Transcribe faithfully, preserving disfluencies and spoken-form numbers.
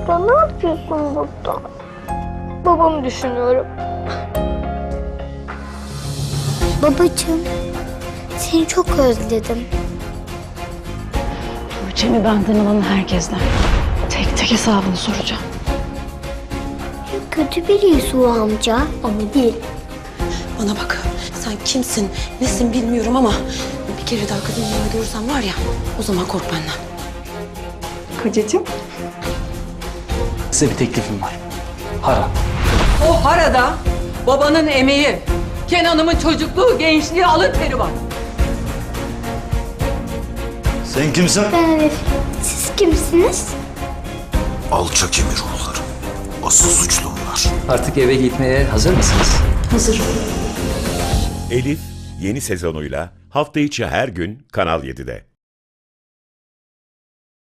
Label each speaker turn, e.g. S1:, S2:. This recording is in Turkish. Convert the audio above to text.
S1: burada? Ne yapıyorsun burada? Babamı düşünüyorum. Babacığım, seni çok özledim.
S2: Tuğçe'mi benden alan herkesten tek tek hesabını soracağım.
S1: Kötü birisi o amca ama değil.
S3: Bana bak, sen kimsin, nesin bilmiyorum ama bir kere daha kadın yanına görürsem var ya, o zaman kork benden.
S2: Kocacığım.
S4: Size bir teklifim var. Para.
S5: O harada babanın emeği, Kenan'ımın çocukluğu, gençliği, alın teri var.
S6: Sen kimsin?
S1: Ben Elif. Siz kimsiniz?
S6: Alçak emir oğulları. Asıl suçlu bunlar.
S4: Artık eve gitmeye hazır mısınız?
S3: Hazır.
S7: Elif yeni sezonuyla hafta içi her gün Kanal yedide.